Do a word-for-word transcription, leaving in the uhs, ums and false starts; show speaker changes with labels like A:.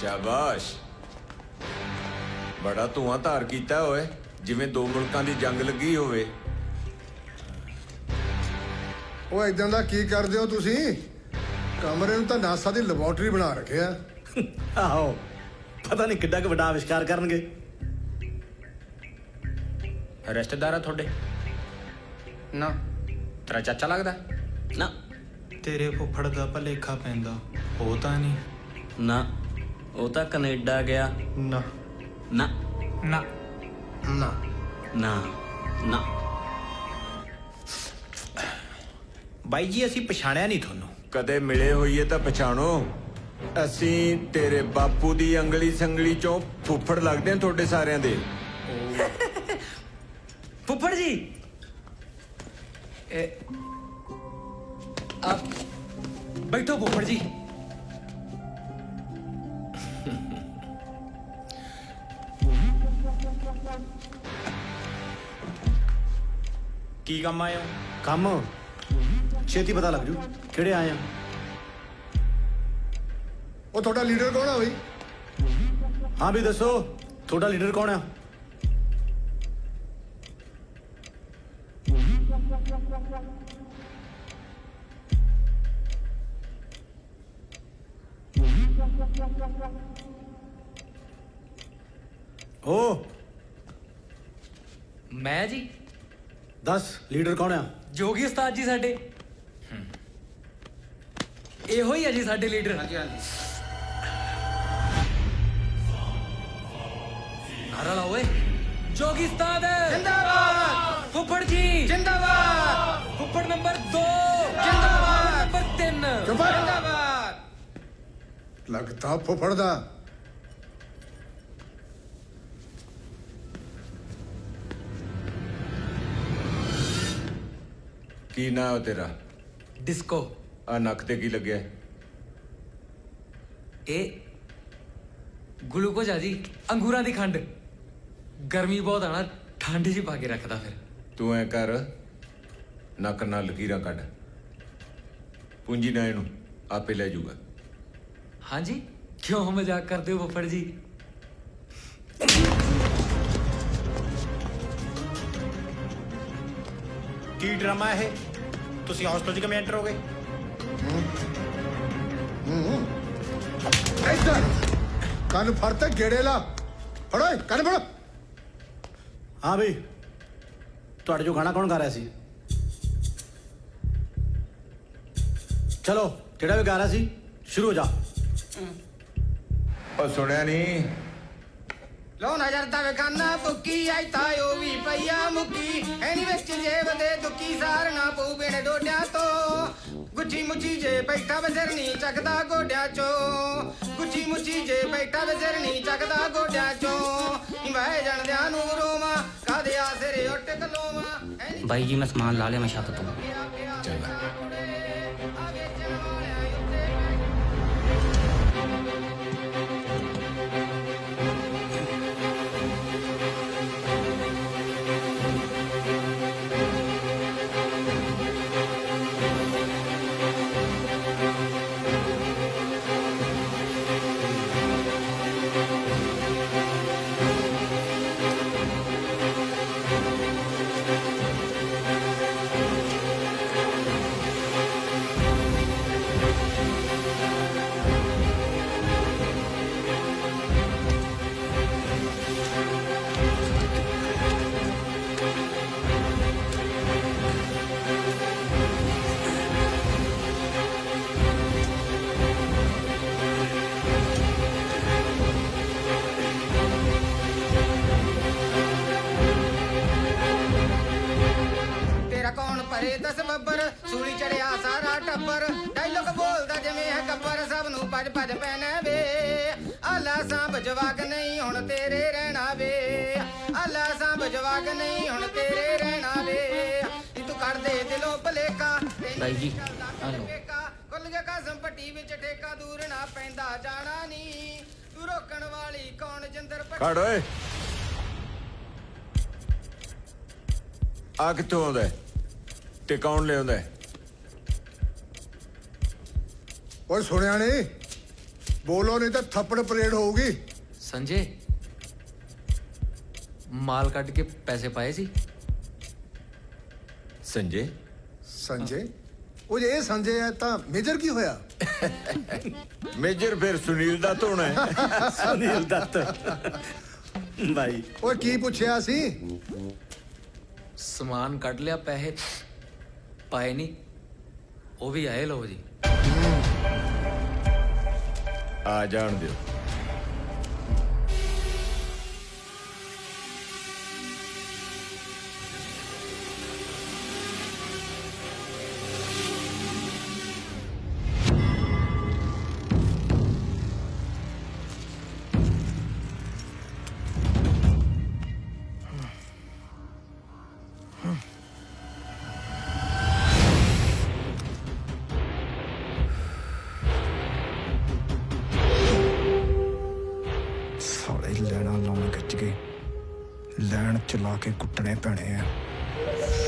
A: शाबाश बड़ा धुआं धार कीता होए जिवें दो मुल्कां दी जंग लगी होवे।
B: ਉਹ ਇਦਾਂ ਦਾ ਕੀ ਕਰਦੇ ਹੋ ਤੁਸੀਂ? ਕਮਰੇ ਨੂੰ ਤਾਂ ਨਾਸਾ ਦੀ ਲੈਬੋਰਟਰੀ ਬਣਾ ਰੱਖਿਆ।
C: ਆਹੋ ਪਤਾ ਨਹੀਂ ਕਿੱਡਾ ਕੁ ਵੱਡਾ ਆਵਿਸ਼ਕਾਰ ਕਰਨਗੇ।
D: ਰਿਸ਼ਤੇਦਾਰ ਆ ਤੁਹਾਡੇ?
E: ਨਾ
D: ਤੇਰਾ ਚਾਚਾ ਲੱਗਦਾ?
C: ਨਾ
F: ਤੇਰੇ ਫੁੱਫੜ ਦਾ ਭਲੇਖਾ ਪੈਂਦਾ, ਉਹ ਤਾਂ ਨਹੀਂ।
C: ਨਾ ਉਹ ਤਾਂ ਕੈਨੇਡਾ ਗਿਆ।
F: ਨਾ
C: ਨਾ
F: ਨਾ
E: ਨਾ
C: ਨਾ ਨਾ
D: ਬਾਈ ਜੀ ਅਸੀਂ ਪਛਾਣਿਆ ਨਹੀਂ ਤੁਹਾਨੂੰ।
A: ਕਦੇ ਮਿਲੇ ਹੋਈਏ ਤਾਂ ਪਛਾਣੋ। ਅਸੀਂ ਤੇਰੇ ਬਾਪੂ ਦੀ ਅੰਗਲੀ ਸੰਗਲੀ ਚੋਂ ਫੁੱਫੜ ਲੱਗਦੇ ਹਾਂ ਤੁਹਾਡੇ ਸਾਰਿਆਂ ਦੇ।
D: ਫੁੱਫੜ ਜੀ ਆਪ ਬੈਠੋ ਫੁੱਫੜ ਜੀ। ਕੀ ਕੰਮ ਆਏ ਹੋ?
C: ਕੰਮ ਛੇਤੀ ਪਤਾ ਲੱਗ ਜੂ ਕਿਹੜੇ ਆਏ ਆ।
B: ਉਹ ਤੁਹਾਡਾ ਲੀਡਰ ਕੌਣ ਆ ਬਈ?
C: ਹਾਂ ਵੀ ਦੱਸੋ ਤੁਹਾਡਾ ਲੀਡਰ ਕੌਣ ਆ? ਓ
D: ਮੈਂ ਜੀ
C: ਦੱਸ ਲੀਡਰ ਕੌਣ ਆ?
D: ਜੋਗੀ ਉਸਤਾਦ ਜੀ ਸਾਡੇ। ਇਹੋ ਹੀ ਆ ਜੀ ਸਾਡੇ ਲੀਡਰ।
E: ਹਾਂਜੀ ਹਾਂਜੀ
D: ਨਾਰਾ ਲਾਓ ਓਏ। ਜੋਗੀ ਉਸਤਾਦ
E: ਜਿੰਦਾਬਾਦ,
D: ਫੁੱਫੜ ਜੀ
E: ਜਿੰਦਾਬਾਦ,
D: ਫੁੱਫੜ ਨੰਬਰ ਦੋ
E: ਜਿੰਦਾਬਾਦ,
D: ਨੰਬਰ ਤਿੰਨ
B: ਚੁੱਪ ਕਰ।
E: ਜਿੰਦਾਬਾਦ।
B: ਲੱਗਦਾ ਫੁੱਫੜ ਦਾ।
A: ਕੀ ਨਾਂ ਹੈ ਤੇਰਾ?
D: ਡਿਸਕੋ।
A: ਆ ਨੱਕ ਤੇ ਕੀ ਲੱਗਿਆ?
D: ਇਹ ਗਲੂਕੋਜ਼ ਆ ਜੀ, ਅੰਗੂਰਾਂ ਦੀ ਖੰਡ। ਗਰਮੀ ਬਹੁਤ ਆਣਾ, ਠੰਡ ਜੀ ਪਾ ਕੇ ਰੱਖਦਾ ਫਿਰ।
A: ਤੂੰ ਐ ਕਰ ਨੱਕ ਨਾਲ ਲਕੀਰਾਂ ਕੱਢ। ਪੂੰਜੀ ਨਾ ਇਹਨੂੰ ਆਪੇ ਲੈ ਜਾਊਗਾ।
D: ਹਾਂਜੀ ਕਿਉਂ ਮਜ਼ਾਕ ਕਰਦੇ ਹੋ ਫੁੱਫੜ ਜੀ?
F: ਕੀ ਡਰਾਮਾ ਇਹ? ਤੁਸੀਂ ਹੌਸਟਲ 'ਚ ਕਿਵੇਂ ਐਂਟਰ ਹੋ ਗਏ?
B: ਇੱਧਰ ਕੰਨ ਫੜ ਤੇ ਗੇੜੇ ਲਾ। ਫੜੋ ਏ, ਕੰਨ ਫੜੋ।
C: ਹਾਂ ਵੀ ਤੁਹਾਡੇ ਜੋ ਗਾਣਾ ਕੌਣ ਗਾ ਰਿਹਾ ਸੀ? ਚਲੋ ਜਿਹੜਾ ਵੀ ਗਾ ਰਿਹਾ ਸੀ ਸ਼ੁਰੂ ਹੋ ਜਾ।
A: ਉਹ ਸੁਣਿਆ ਨਹੀਂ?
E: ਲੋ ਨਜ਼ਰ ਦਾ ਵੇਖਾਨਾ ਬੁੱਕੀ ਆਈ ਤਾਂ ਉਹ ਵੀ ਪਈਆ ਮੁੱਕੀ ਐਨੀ ਵਿੱਚ ਜੇਬ ਦੇ ਦੁੱਕੀ ਸਾਰਨਾ ਪਊ ਬਿਨ ਡੋਡਿਆਂ ਤੋਂ ਗੁੱਚੀ ਮੁੱਚੀ ਜੇ ਬੈਠਾ ਵਜ਼ਰ ਨਹੀਂ ਚੱਕਦਾ ਗੋਡਿਆਂ ਚੋਂ ਗੁੱਚੀ ਮੁੱਚੀ ਜੇ ਬੈਠਾ ਵਜ਼ਰ ਨਹੀਂ ਚੱਕਦਾ ਗੋਡਿਆਂ ਚੋਂ ਮੈਂ ਜਾਣਦਿਆਂ ਨੂੰ ਰੋਵਾਂ ਕਾਦੇ ਆਸਰੇ ਉੱਟ ਕਲੋਵਾਂ।
G: ਬਾਈ ਜੀ ਮੈਂ ਸਮਾਨ ਲਾ ਲਿਆ ਮੈਂ ਛੱਤ ਤੋਂ।
A: ਚੰਗਾ।
E: ਭਰੇ ਦਸ ਬੱਬਰ ਸੂਲੀ ਚੜਿਆ ਸਾਰਾ ਟੱਬਰ ਡਾਇਲੋਗ ਬੋਲਦਾ ਜਿਵੇਂ ਹੈ ਗੱਬਰ ਸਭ ਨੂੰ ਭੱਜ ਭੱਜ ਪੈਣਾ ਵੇ ਆਲਾ ਸਾਂਭ ਜਵਾਕ ਨਹੀਂ ਹੁਣ ਤੇਰੇ ਰਹਿਣਾ ਵੇ ਆਲਾ ਸਾਂਭ ਜਵਾਕ ਨਹੀਂ ਹੁਣ ਤੇਰੇ ਰਹਿਣਾ ਵੇ ਤੂੰ ਕਰ ਦੇ ਦਿਲੋਂ ਭਲੇਖਾ
G: ਬਾਈ ਜੀ ਆ ਲਓ
E: ਕੁੱਲ ਗਿਆ ਕਸਮ ਪੱਟੀ ਵਿੱਚ ਠੇਕਾ ਦੂਰ ਨਾ ਪੈਂਦਾ ਜਾਣਾ ਨਹੀਂ ਤੂੰ ਰੋਕਣ ਵਾਲੀ ਕੌਣ ਜਿੰਦਰ
A: ਖੜ ਓਏ ਆ ਕਿੱਥੋਂ ਆਉਂਦਾ ਤੇ ਕੌਣ ਲਿਆਉਂਦਾ?
B: ਓਏ ਸੁਣਿਆ ਨਹੀਂ ਬੋਲੋ ਨਹੀਂ ਤਾਂ ਥੱਪੜ ਪਰੇਡ ਹੋਊਗੀ।
D: ਸੰਜੇ ਮਾਲ ਕੱਢ ਕੇ ਪੈਸੇ ਪਾਏ ਸੀ।
A: ਸੰਜੇ
B: ਸੰਜੇ ਉਹ ਜੇ ਇਹ ਸੰਜੇ ਹੈ ਤਾਂ ਮੇਜਰ ਕੀ ਹੋਇਆ?
A: ਮੇਜਰ ਫਿਰ ਸੁਨੀਲ ਦਾ ਧੋਣਾ ਹੈ।
C: ਸੁਨੀਲ ਦੱਤ ਭਾਈ
B: ਓਏ ਕੀ ਪੁੱਛਿਆ ਸੀ?
D: ਸਮਾਨ ਕੱਢ ਲਿਆ, ਪੈਸੇ ਪਾਏ ਨਹੀਂ। ਉਹ ਵੀ ਆਏ ਲੋ ਜੀ।
A: ਆ ਜਾਣ ਦਿਓ।
H: ਸਾਲੇ ਲੈਣਾ ਲਾਉਣ ਖਿੱਚ ਕੇ ਲੈਣ ਚਲਾ ਕੇ ਕੁੱਟਣੇ ਪੈਣੇ ਆ।